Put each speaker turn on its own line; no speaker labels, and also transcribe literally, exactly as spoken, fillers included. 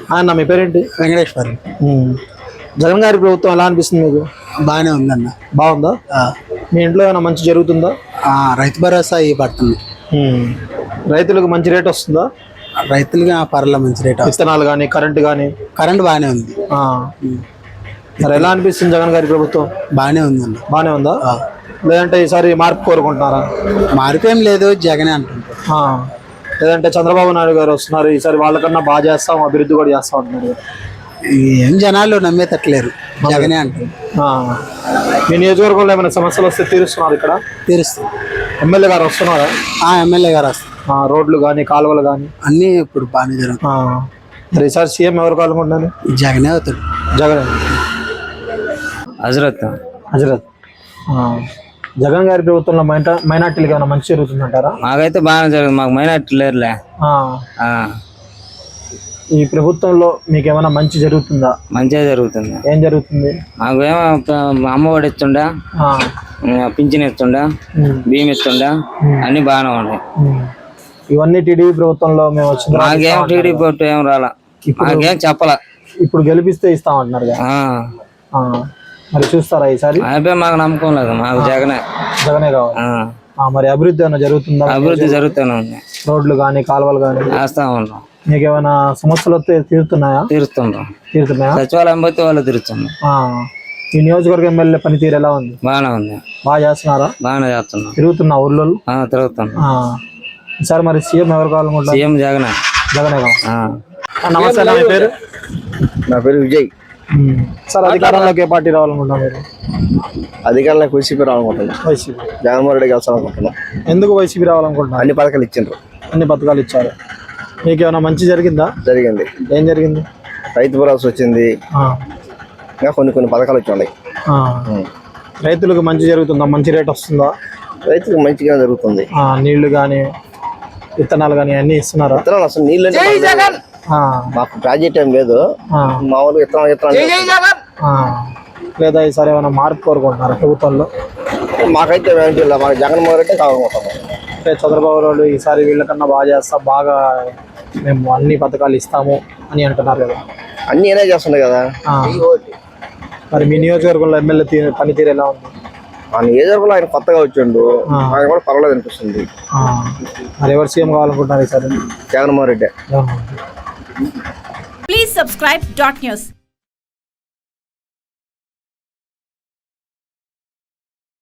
అన్న మీ పేరేంటి?
వెంకటేశ్వర్.
జగన్ గారి ప్రభుత్వం ఎలా అనిపిస్తుంది మీకు?
బాగానే ఉందన్న.
బాగుందా? మీ ఇంట్లో ఏమైనా మంచి జరుగుతుందా?
రైతు భరోసా ఈ పడుతుంది.
రైతులకు మంచి రేట్ వస్తుందా?
రైతులుగా పర్ల మంచి రేట్.
విత్తనాలు కానీ కరెంట్ కానీ?
కరెంట్ బాగానే ఉంది.
మరి ఎలా అనిపిస్తుంది జగన్ గారి ప్రభుత్వం?
బాగానే ఉందన్న.
బాగానే ఉందా? లేదంటే ఈసారి మార్పు కోరుకుంటున్నారా?
మార్పు ఏం లేదు, జగనే అంటుంటారు.
లేదంటే చంద్రబాబు నాయుడు గారు వస్తున్నారు, ఈసారి వాళ్ళకన్నా బాగా చేస్తాం, అభివృద్ధి కూడా చేస్తాం అంటున్నారు.
ఏం జనాలు నమ్మేటట్లేరు, జగనే అంటారు.
మీ నియోజకవర్గంలో ఏమైనా సమస్యలు వస్తే తీరుస్తున్నారు? ఇక్కడ
తీరుస్తారు.
ఎమ్మెల్యే గారు వస్తున్నారా?
ఎమ్మెల్యే గారు వస్తారు.
రోడ్లు కానీ కాలువలు కానీ
అన్నీ ఇప్పుడు బాగానే జరుగుతాయి.
మరి ఈసారి సీఎం ఎవరు కావాలనుకుంటున్నారు?
జగనే అవుతాడు.
జగన్.
హజరత్
హజరత్ జగన్ గారి ప్రభుత్వంలో మైనా మైనార్టీలకు ఏమైనా మంచి జరుగుతుందంటారా?
మాకైతే బాగానే జరుగుతుంది, మాకు మైనార్టీ లేరులే.
ఈ ప్రభుత్వంలో మీకు ఏమైనా మంచి జరుగుతుందా?
మంచిగా జరుగుతుంది.
ఏం జరుగుతుంది?
మాకు ఏమో అమ్మఒడి ఇస్తుండా, పింఛన్ ఇస్తుండా, బియ్యం ఇస్తుండా, అన్ని బాగానే ఉన్నాయి.
ఇవన్నీ టీడీపీ ప్రభుత్వంలో మేము వచ్చింది.
మాకేం టీడీపీ పొట్టు ఏం రాలా, మాకేం చెప్పాలా.
ఇప్పుడు గెలిపిస్తే ఇస్తామంటున్నారు. మరి చూస్తారా ఈసారి?
అయిపోయి మాకు నమ్మకం లేదు, మాకు జగనే
జగనే కావాలి. మరి అభివృద్ధి ఏమైనా జరుగుతుందా?
అభివృద్ధి జరుగుతూనే ఉంది.
రోడ్లు కానీ కాలువలు కానీ
వేస్తా ఉన్నాం.
మీకు ఏమైనా సమస్యలు వస్తే తీరుతున్నాయా?
తీరుతుండ్రం.
తీరుతున్నాయా?
సచివాలయం పోతే వాళ్ళు తీరుతున్నాం.
ఈ నియోజకవర్గ ఎమ్మెల్యే పనితీరు ఎలా ఉంది?
బాగానే ఉంది.
బాగా చేస్తున్నారా?
బాగానే చేస్తున్నాం.
తిరుగుతున్నా ఊర్లో?
తిరుగుతున్నా.
ఈసారి మరి సీఎం ఎవరు కావాలనుకుంటున్నారు?
సీఎం జగనే.
జగనే కావాలి. నమస్తే, నా పేరు?
నా పేరు విజయ్.
సార్, అధికారంలోకి ఏ పార్టీ రావాలనుకుంటున్నారు మీరు?
అధికారంలోకి వైసీపీ రావాలనుకుంటున్నాం.
వైసీపీ.
జగన్మోహన్ రెడ్డి గెలిచాలనుకుంటున్నాం.
ఎందుకు వైసీపీ రావాలనుకుంటున్నారు?
అన్ని పథకాలు ఇచ్చిండ్రు.
అన్ని పథకాలు ఇచ్చారు. మీకు ఏమైనా మంచి జరిగిందా?
జరిగింది.
ఏం జరిగింది?
రైతు భరోసా వచ్చింది, ఇంకా కొన్ని కొన్ని పథకాలు వచ్చి ఉన్నాయి.
రైతులకు మంచి జరుగుతుందా? మంచి రేట్ వస్తుందా?
రైతులకు మంచిగా జరుగుతుంది.
నీళ్లు కానీ విత్తనాలు కానీ అన్ని ఇస్తున్నారా?
విత్తనాలు అసలు నీళ్ళు మాకు ప్రాజెక్ట్ ఏం లేదు, మామూలుగా విత్తనాలు విత్తనాలు.
లేదా ఈసారి ఏమైనా మార్పు కోరుకుంటున్నారా ప్రభుత్వంలో?
మాకైతే మాకు జగన్మోహన్ రెడ్డి కావాలనుకుంటున్నాం.
అంటే చంద్రబాబు నాయుడు ఈసారి వీళ్ళకన్నా బాగా చేస్తాం, బాగా మేము అన్ని పథకాలు ఇస్తాము అని అంటున్నారు కదా.
అన్ని ఏనే చేస్తుండే కదా.
మరి మీ నియోజకవర్గంలో ఎమ్మెల్యే పనితీరు ఎలా ఉంది?
మా నియోజకవర్గంలో ఆయన కొత్తగా వచ్చిండు, ఆయన కూడా పర్వాలేదు అనిపిస్తుంది.
మరి ఎవరు సీఎం కావాలనుకుంటున్నారు ఈసారి?
Jaganmohan Reddy.
Please subscribe dot news.